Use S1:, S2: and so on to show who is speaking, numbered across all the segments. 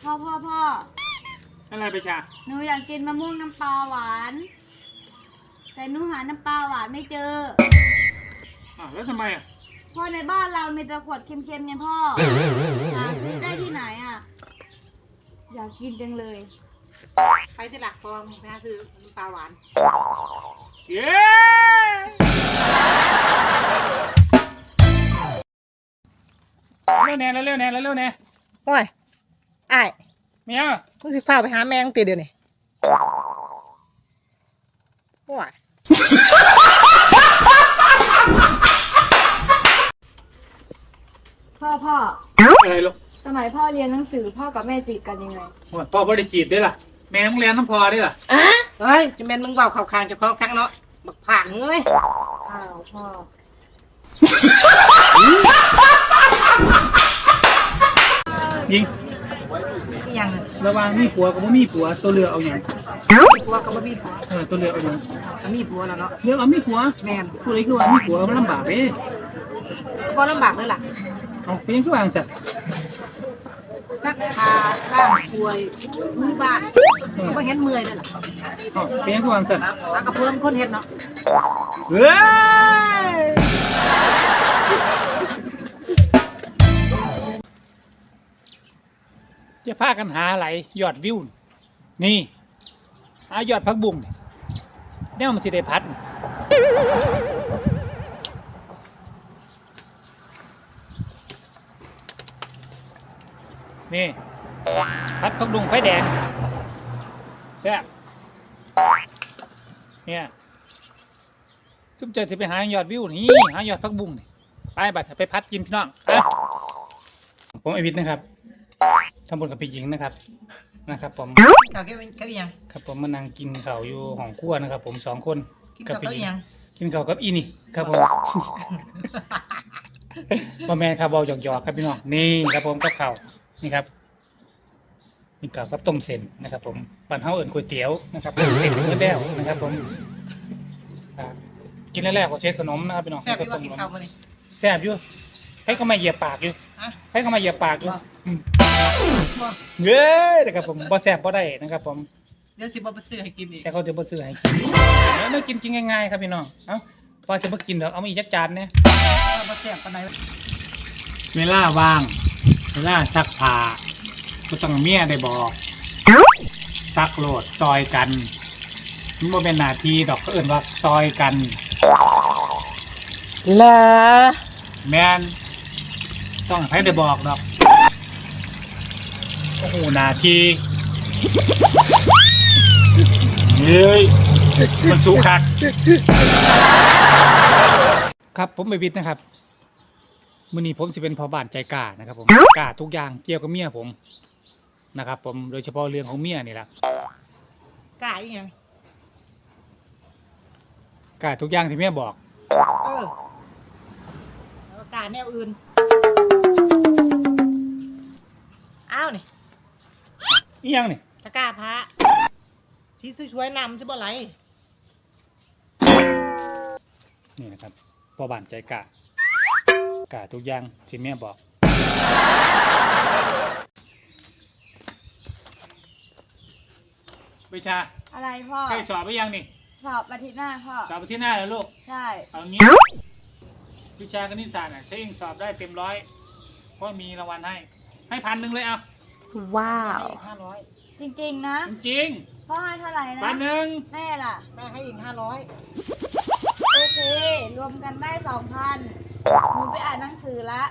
S1: พ่อ
S2: อะไรไปชา
S1: หนูอยากกินมะม่วงน้ำปลาหวานแต่หนูหาน้ำปลาหวานไม่เจอ
S2: แล้วทำไม
S1: พ่อในบ้านเรามีแต่ขวดเค็มๆไงพ่อหาซื้อได้ที่ไหนอยากกินจังเลย
S3: ไปที่หลักฟองไปหาซื้อน้ำปลาหวาน
S2: เย้เร็วแน่
S3: โอ้ยไอ้
S2: เมีย
S3: มึงสิฟ้าไปหาแมงตีเดี๋ยวนี้โอ้ย
S1: พ่อ
S2: อะไรลูก
S1: สมัยพ่อเรียนหนังสือพ่อกับแม่จีบกันยังไง
S2: พ่อบ่ได้จีบด้วยล่ะแม่ต้องเรียนน้ำพอด้วยล่ะ
S3: เฮ้ยจะเป็นมึงเบาข่าวคางจะคล้องครั้งเนาะบักผ่านเอ้ย
S1: พ่อ
S2: ยิง
S3: ยัง
S2: ระวังมีผัวกับไม่มีผัวตัวเรือเอาอย่าง
S3: มีผัวกับมีผัว
S2: ตัวเรือเอาอย่าง
S3: มีผัวแล้วเนาะ
S2: เรือเอามีผัว
S3: แม่
S2: ผู้ใดคือว่ามีผัวมันลำบากเลย
S3: ก็ลำบากเลยล่ะ
S2: เอาเพียงคือวางสัตว์
S3: ซักผ้าล้างถ้วยมือบ้านก็เห็นเมื่อยเลยล่ะ
S2: เพียงคือวางสัตว์
S3: กับผู้ลำคนเห็นเนาะ
S2: เฮ้ยจะพากันหาอะไรยอดวิวนี่หายอดพักบุ้งเนี่ยมันสิได้พัดนี่พัดพักบุ้งไฟแดงแซ่บเนี่ยซุปเจอจะไปหายอดวิวนี่หายอดพักบุ้งนี่ไปบัดไปพัดกินพี่น้องผมไอวิทย์นะครับทำบุญกับพี่หญิงนะครับผม
S3: เขาแค่ยัง
S2: ครับผมมานั่งกินข้าวอยู่ห้องครัวนะครับผม2 คน
S3: กับพี่หญิง
S2: กินข้าวกับอีนี่ครับผมพ่อแม่ครับเบาหยอกครับพี่น้องนี่ครับผมกับข้าวนี่ครับนี่ข้าวกับต้มเส้นนะครับผมปั่นเฮาเอิ้นก๋วยเตี๋ยวนะครับต้มเส้นเนื้อแด้วนะครับผมกินแรกๆก็เช็ดขนมนะครับพี่น้อง
S3: แซ่บอยู่กินข้าวมาดิ
S2: แซ่บอยู่ให้เขามาเหยียบปากอยู่ให้เขามาเหยียบปากอยู่เย้นะครับผมบ่แซ่บบ่ได้นะครับผม
S3: เดี๋ยวสิบ่ไปซื้อให้กินอีก
S2: แต่เขาจะบ่ซื้อให้กินแล้วกินจริงง่ายๆครับพี่น้องเอ้าพอจะบ่กินเดี๋ยวเอามาอีกจักจานเนี่ย
S3: บ่แซ่บปานใด
S2: เวลาว่างเวลาซักผ้าก็ต้องเมียได้บอกซักโหลดซอยกันมันบ่เป็นหน้าที่ดอกก็เอิ้นว่าซอยกัน
S3: ล่ะ
S2: แม่นต้องให้ได้บอกดอกโอ้โหนาทีเฮ้ยมันสูงคักครับผมไปวิทย์นะครับมื้อนี้ผมสิเป็นพ่อบ้านใจกล้านะครับผมกล้าทุกอย่างเกี่ยวกับเมียผมนะครับผมโดยเฉพาะเรื่องของเมียนี่แหละ
S3: กล้าอีหยัง
S2: กล้าทุกอย่างที่เมียบอก
S3: แล้วกล้าแนวอื่นอ้าวนี่
S2: อีหยังนี่
S3: ตะกร้าพระสีสวยๆนำใช่บ่ไร
S2: นี่นะครับพ่อบ้านใจกล้ากล้าทุกอย่างที่เมียบอกวิชา
S1: อะไรพ่อ
S2: ใกล้สอบไปยังนี่
S1: สอบอาทิตย์หน้าพ่อ
S2: สอบอาทิตย์หน้าแล้วลูก
S1: ใช่
S2: เอางี้วิชาคณิตศาสตร์ถ้าเองสอบได้เต็ม100ก็มีรางวัลให้1,000เลยเอา
S3: ว้าว
S1: 500จริงๆนะ
S2: จริง
S1: พ่อให้เท่าไหร่นะ
S2: 1,000
S1: แม่ล่ะ
S3: แม่ให้อีก500
S1: โอเครวมกันได้ 2,000หนูไปอ่านหนังสือละ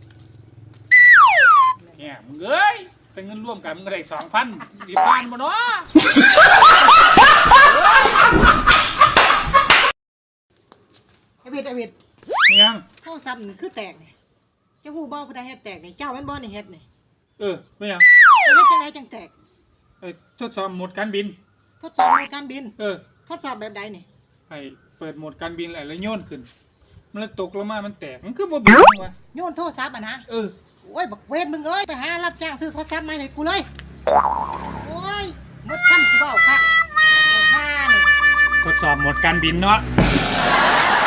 S2: เนี่ยมึงเอ้ยเป็นเงินร่วมกันมึงก็ได้ 2,000 10,000บ่เนาะ
S3: ไอ้เวท
S2: ยัง
S3: โทรศัพท์นี่คือแตกนี่เจ้าฮู้บ่ผู้ใดเฮ็ดแตกนี่เจ้าแม่นบ่นี่เฮ็ดนี่
S2: ไม่ยัง
S3: เฮ็ดจังไดจังแตก
S2: ทดสอบโหมดการบิน
S3: ทดสอบโหมดการบินทดสอบแบบใดนี่
S2: ให้เปิดโหมดการบินแล้วโยนขึ้นมันตกลงมามันแตกมันคือบ่บินวะ
S3: โยนโทรศัพท์นะโอ้ยบักเวทมึงเอ้ยไปหารับจ้างซื้อโทรศัพท์มาให้กูเลยโอ้ยหมดคำสิเว้าค่ะนี่
S2: ทดสอบโหมดการบินเนาะ